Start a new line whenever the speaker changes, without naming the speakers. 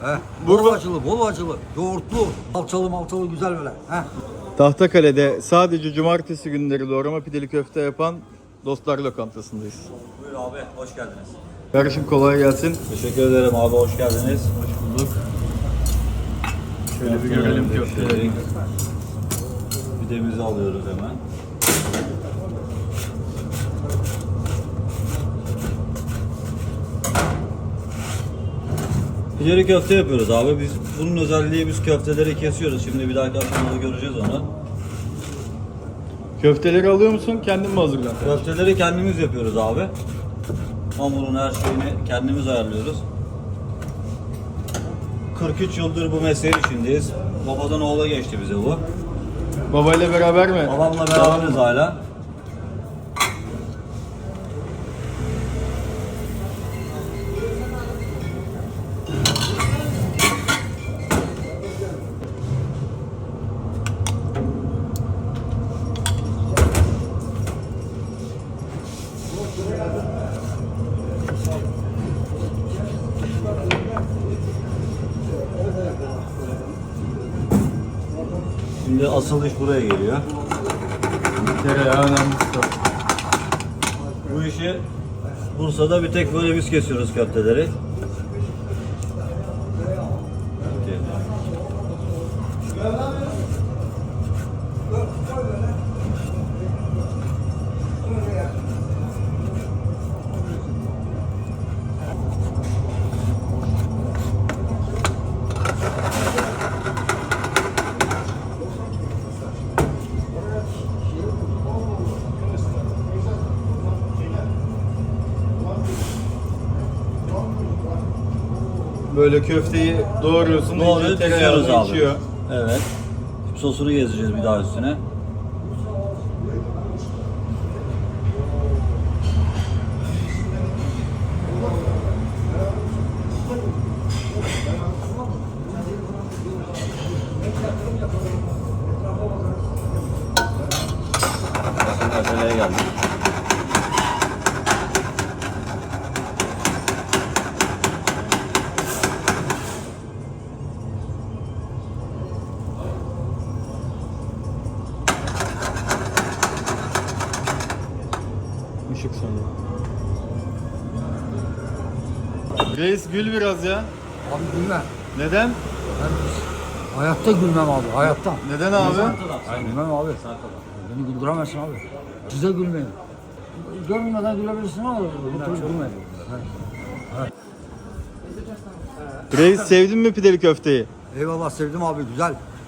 He. Bol acılı, bol acılı, yoğurtlu, salçalı malçalı güzel böyle. He.
Tahtakale'de sadece cumartesi günleri doğrama pideli köfte yapan Dostlar Lokantası'ndayız.
Buyur abi, hoş geldiniz.
Kardeşim kolay gelsin.
Teşekkür ederim abi, hoş geldiniz.
Hoş bulduk. Şöyle bir görelim köfteleri.
Pidemizi alıyoruz hemen. Pideli köfte yapıyoruz abi. Bunun özelliği biz köfteleri kesiyoruz. Şimdi bir dahaki aşamada göreceğiz onu.
Köfteleri alıyor musun? Kendin mi hazırlan?
Köfteleri kendimiz yapıyoruz abi. Hamurun her şeyini kendimiz ayarlıyoruz. 43 yıldır bu mesleğin içindeyiz. Babadan oğula geçti bize bu.
Babayla beraber mi?
Babamla beraberiz hala. Şimdi asıl iş buraya geliyor.
Tereyağı önemli.
Bu işi Bursa'da bir tek böyle biz kesiyoruz köfteleri.
Böyle köfteyi doğruyorsun.
Doğru
iyice
kesiyoruz
tereyağını
abi.
içiyor.
Evet. Şimdi sosunu gezeceğiz bir daha üstüne. Şimdi meseleye geldik.
Işık sonra. Reis gül biraz ya.
Abi gülme.
Neden?
Ben hayatta gülmem abi, hayatta.
Neden abi?
Gülmem abi. Beni güldüremezsin abi. Size gülmeyin. Görmeden gülebilirsin ama bu türlü gülmeyin.
Reis sevdin mi pideli köfteyi?
Eyvallah sevdim abi, güzel.